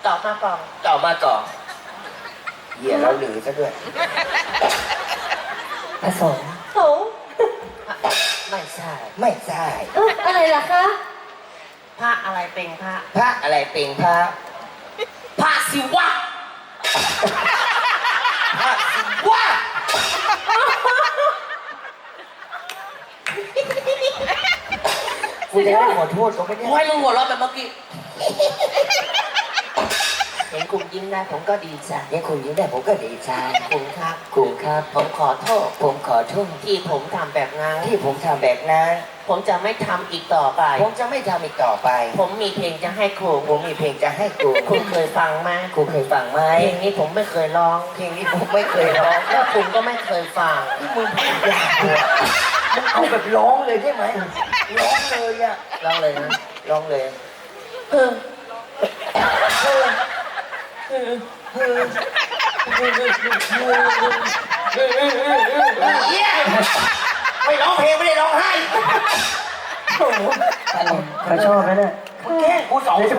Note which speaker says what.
Speaker 1: ตอบมาก่อน
Speaker 2: ต่อมาก่อนเหี้ยเราหลือซะด้วยผสม
Speaker 3: โถ
Speaker 1: ไม่ใช่
Speaker 2: ไม่ใช่
Speaker 3: อะไรล่ะคะ
Speaker 1: พระอะไรเป็นพระ
Speaker 2: พระอะไรเป็นพระ
Speaker 1: พระศิวะ
Speaker 2: พระศิวะกูจะได้ขอโทษเขาไม่ได้
Speaker 1: กูให้มึงหัวเราะแบบเมื่อกี้ เห็นคุณยิ้มได้ผมก็ดีใจ
Speaker 2: เนี่ยคุณยิ้มได้ผมก็ดีใจ
Speaker 1: คุณครับ
Speaker 2: คุณครับ
Speaker 1: ผมขอโทษ
Speaker 2: ผมขอโทษ
Speaker 1: ที่ผมทำแบบนั้น
Speaker 2: ที่ผมทำแบบนั้น
Speaker 1: ผมจะไม่ทำอีกต่อไป
Speaker 2: ผมจะไม่ทำอีกต่อไป
Speaker 1: ผมมีเพลงจะให้ครู
Speaker 2: ผมมีเพลงจะให้กู
Speaker 1: คุณเคยฟังไหม
Speaker 2: กูเคยฟังไหม
Speaker 1: เพลงนี้ผมไม่เคยร้อง
Speaker 2: เพลงนี้ผมไม่เคยร้อง
Speaker 1: แล้วคุณก็ไม่เคยฟัง
Speaker 2: ที่มึงพูดยากเลยมึงเอาแบบร้องเลยได้ไหมร้องเลยอะ
Speaker 1: ร้องเลยนะ
Speaker 2: ร้องเลย
Speaker 1: เฮ้อ
Speaker 2: เหี้ยไม่ร้องเพลงไม่ได้ร้องไห้โอ้โห
Speaker 4: เขาชอบนะเนี่ย
Speaker 2: มึงแกล้งกูสอง
Speaker 4: เดี๋ยวจะ